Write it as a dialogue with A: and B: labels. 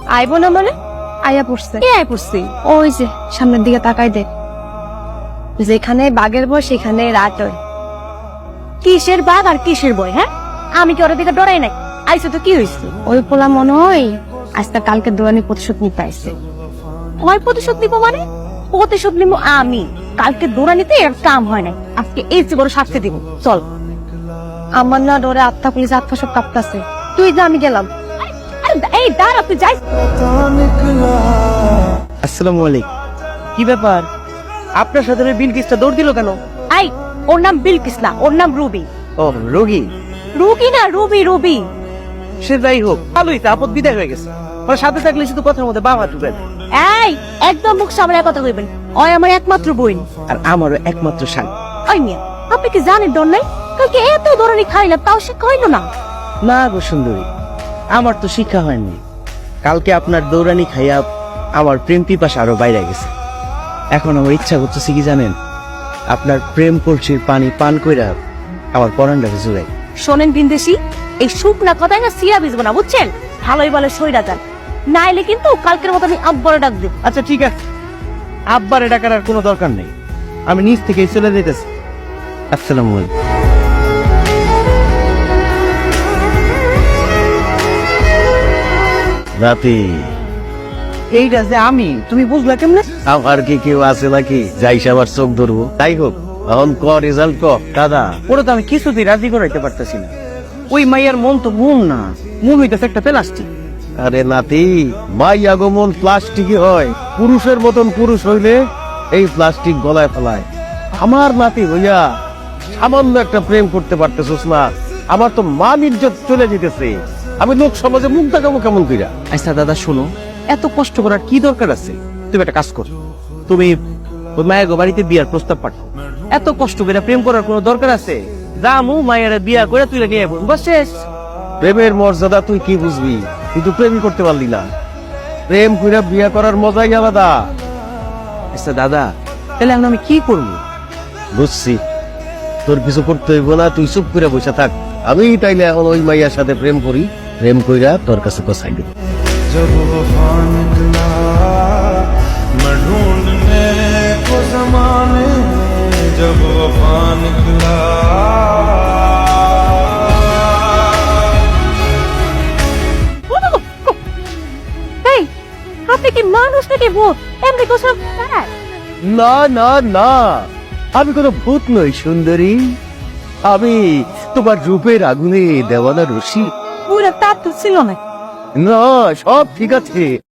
A: আইবো না মানে? আয়া পড়ছে। কে আয় পড়ছি? ওই যে সামনের দিকে তাকাই দেখ, যেখানে বাঘের বয় সেখানে রাত হয়। কিসের বাঘ আর কিসের বয়? হ্যাঁ, আমি কি ওর দিকে ডরাই নাই? আইসে তো কি হয়েছে? ওই পোলা মনে হয় আজকে কালকে দোয়ানি প্রতিশোধ নিতে আইসে। ওই প্রতিশোধ নিবো মানে? প্রতিশোধ নিবো আমি। কালকে দৌড়ানিতে এর কাম হয় নাই, আজকে এই যে বড় শাস্তি দিব। চল। আমার না ডরে আত্মা পুলিশ আত্মা সব কাঁপতাছে। তুই যা, আমি গেলাম। এই দাঁড়া, তুই যাই।
B: আসসালামু আলাইকুম। কি ব্যাপার, আপনার সাথে বিলকিসটা দৌড় দিল কেন?
A: এই, ওর নাম বিলকিস না, ওর নাম রুবি।
B: ও রোগী?
A: রুগী না, রুবি, রুবি।
B: সে যাই হোক, ভালোই তো, আপদ বিদায় হয়ে গেছে। ওর সাথে থাকলে শুধু কথার মধ্যে বাবা ঢুকেন।
A: এই, একদম মুখ সামনে কথা কইবেন। ওই আমার একমাত্র বোন।
B: আর আমারও একমাত্র শান।
A: ওই মিয়া, আপনি কি জানেন ডর নাই? কালকে এত দৌড়ানি খাইলাম, তাও সে খাইলো না।
B: না গো সুন্দরী, আমার তো শিক্ষা হয়নি। কালকে আপনার দৌড়ানি খাইয়া আমার প্রেম পিপাসা আরো বাইরে গেছে। এখন আমার ইচ্ছা করতেছে কি জানেন, আপনার প্রেম কলসির পানি পান কইরা আমার পরানটাকে জুড়াই।
A: শোনেন বিন্দেশি, এই শুকনা কথায় না সিরা ভিজবো না, বুঝছেন? ভালোই ভালো সইরা যান, নাইলে কিন্তু কালকের মতো আমি আব্বারে ডাক দেব।
B: আচ্ছা ঠিক আছে, আব্বারে ডাকার আর কোনো দরকার নেই, আমি নিজ থেকেই চলে যেতেছি। আসসালামু আলাইকুম। রাতে এইটা যে আমি, তুমি বুঝলা কেমনে? আমার কি কেউ আছে নাকি যাই সবার চোখ ধরবো? তাই হোক, এখন ক রেজাল্ট ক। দাদা, ওরা তো আমি কিছুতেই রাজি করাইতে পারতেছি না। ওই মাইয়ার মন তো মন না, মন হইতেছে একটা প্লাস্টিক। আরে নাতি, মাইয়া গো মন প্লাস্টিকই হয়। পুরুষের মতন পুরুষ হইলে এই প্লাস্টিক গলায় ফেলায়। আমার নাতি হইয়া সামান্য একটা প্রেম করতে পারতেছিস না, আমার তো মান ইজ্জত চলে যেতেছে। আমি লোক সমাজে মুখ দেখাবো কেমন কইরা? আচ্ছা দাদা শোনো, এত কষ্ট করার কি দরকার আছে? তুমি একটা কাজ করো, তুমি ওই মায়ের বাড়িতে বিয়ার প্রস্তাব পাঠাও। এত কষ্ট করে প্রেম করার কোনো দরকার আছে? রামু মায়ের বিয়া করে তুই নিয়ে বস, শেষ। প্রেমের মর্যাদা তুই কি বুঝবি? কিন্তু প্রেমই করতে পারলি না। প্রেম কইরা বিয়া করার মজাই আলাদা। আচ্ছা দাদা, তাহলে এখন আমি কি করবো? বুঝছি, তোর কিছু করতে হইব না, তুই চুপ করে বসে থাক। আমি তাইলে এখন ওই মাইয়ার সাথে প্রেম করি, প্রেম কইরা তোর কাছে কোসাই দেব।
C: जब वफा निकला मैं ढूंढने को जमाने में, जब वफा निकला।
A: এই, আপনি কি মানুষ নাকি ভূত? এমনি কোসা দাঁড়ায়।
B: না না না, আমি কোনো ভূত নই সুন্দরী, আমি তোমার রূপের আগুনে দেওয়ানা রশি।
A: পুরো তাপ তো ছিল না।
B: না, সব ঠিক আছে।